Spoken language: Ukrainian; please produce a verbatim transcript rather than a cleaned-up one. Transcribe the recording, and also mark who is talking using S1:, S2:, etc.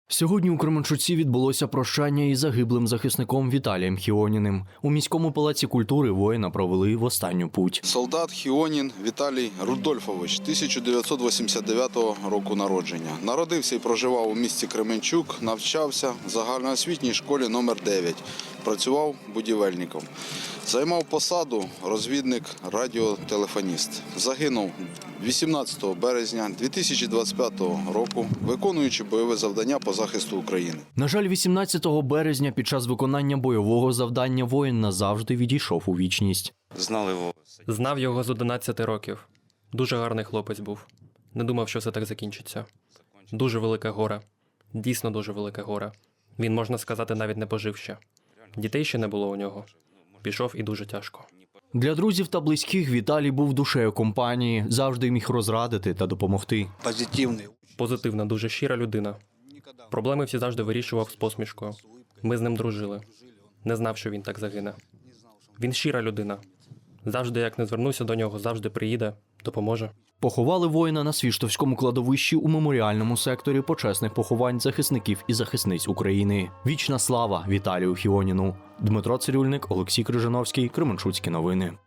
S1: Сьогодні у Кременчуці відбулося прощання із загиблим захисником Віталієм Хіоніним. У міському палаці культури воїна провели в останню путь.
S2: Солдат Хіонін Віталій Рудольфович, тисяча дев'ятсот вісімдесят дев'ятого року народження. Народився і проживав у місті Кременчук, навчався в загальноосвітній школі номер дев'ять. Працював будівельником. Займав посаду розвідник-радіотелефоніст. Загинув вісімнадцятого березня дві тисячі двадцять п'ятого року, виконуючи бойове завдання по захисту України.
S1: На жаль, вісімнадцятого березня під час виконання бойового завдання воїн назавжди відійшов у вічність.
S3: Знали його.
S4: Знав його з одинадцяти років. Дуже гарний хлопець був. Не думав, що все так закінчиться. Дуже велике горе. Дійсно дуже велике горе. Він, можна сказати, навіть не пожив ще. Дітей ще не було у нього. Пішов і дуже тяжко.
S1: Для друзів та близьких Віталій був душею компанії, завжди міг розрадити та допомогти.
S5: Позитивний.
S4: Позитивна, дуже щира людина. Проблеми всі завжди вирішував з посмішкою. Ми з ним дружили. Не знав, що він так загине. Він щира людина. Завжди, як не звернуся до нього, завжди приїде, допоможе.
S1: Поховали воїна на Свіштовському кладовищі у меморіальному секторі почесних поховань захисників і захисниць України. Вічна слава Віталію Хіоніну. Дмитро Цирюльник, Олексій Крижановський, Кременчуцькі новини.